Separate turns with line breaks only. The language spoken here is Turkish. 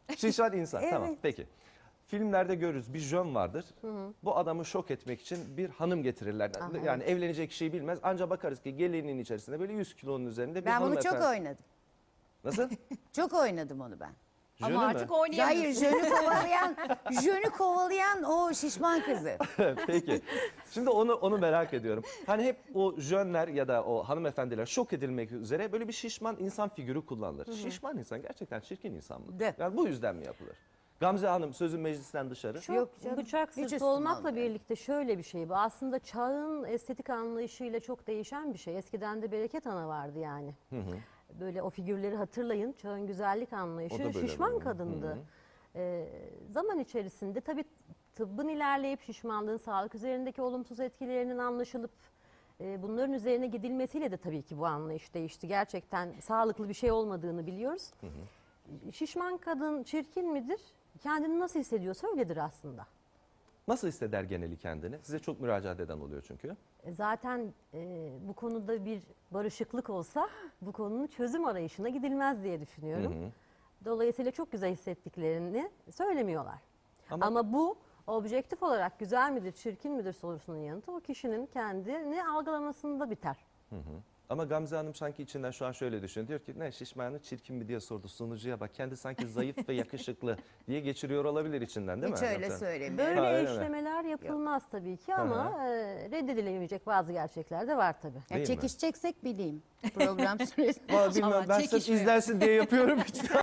Şişman insan, tamam
Evet.
peki. Filmlerde görürüz bir jön vardır. Bu adamı şok etmek için bir hanım getirirler. Yani evlenecek kişiyi bilmez. Ancak bakarız ki gelinliğin içerisinde böyle 100 kilonun üzerinde bir
Ben bunu
hanımefendi.
çok oynadım.
Nasıl?
Çok oynadım onu ben.
Jönü
Ama
mü?
artık
Hayır,
oynayamıyorsun.
jönü kovalayan o şişman kızı.
Peki. Şimdi onu merak ediyorum. Hani hep o jönler ya da o hanımefendiler şok edilmek üzere böyle bir şişman insan figürü kullanılır. Şişman insan gerçekten çirkin insan mı?
De.
Yani bu yüzden mi yapılır? Gamze Hanım sözün meclisten dışarı.
Yok canım,
Bıçak
hiç
sırtı
üstüme
olmakla
almıyor.
birlikte şöyle bir şey bu. Aslında çağın estetik anlayışıyla çok değişen bir şey. Eskiden de Bereket Ana vardı yani. Böyle o figürleri hatırlayın. Çağın güzellik
O
anlayışı
da böyle
şişman
böyle.
kadındı. Zaman içerisinde tabii tıbbın ilerleyip şişmanlığın sağlık üzerindeki olumsuz etkilerinin anlaşılıp bunların üzerine gidilmesiyle de tabii ki bu anlayış değişti. Gerçekten sağlıklı bir şey olmadığını biliyoruz. Şişman kadın çirkin midir? Kendini nasıl hissediyorsa öyledir aslında.
Nasıl hisseder geneli kendini? Size çok müracaat eden oluyor çünkü.
Zaten bu konuda bir barışıklık olsa bu konunun çözüm arayışına gidilmez diye düşünüyorum. Dolayısıyla çok güzel hissettiklerini söylemiyorlar. Ama bu objektif olarak güzel midir, çirkin midir sorusunun yanıtı o kişinin kendini algılamasında biter.
Ama Gamze Hanım sanki içinden şu an şöyle düşünüyor. Diyor ki ne şişmanı çirkin mi diye sordu sunucuya bak. Kendi sanki zayıf ve yakışıklı diye geçiriyor olabilir içinden değil
Hiç
mi?
öyle
Gamze Hanım?
söylemiyorum.
Böyle
Ha, öyle mi?
eşlemeler yapılmaz tabii ki ama reddedilemeyecek bazı gerçekler de var tabii.
Değil mi?
Çekişeceksek bileyim program süresinde.
Vallahi bilmem,
Ama
ben sırf
çekişmiyor.
izlensin diye yapıyorum. Hiç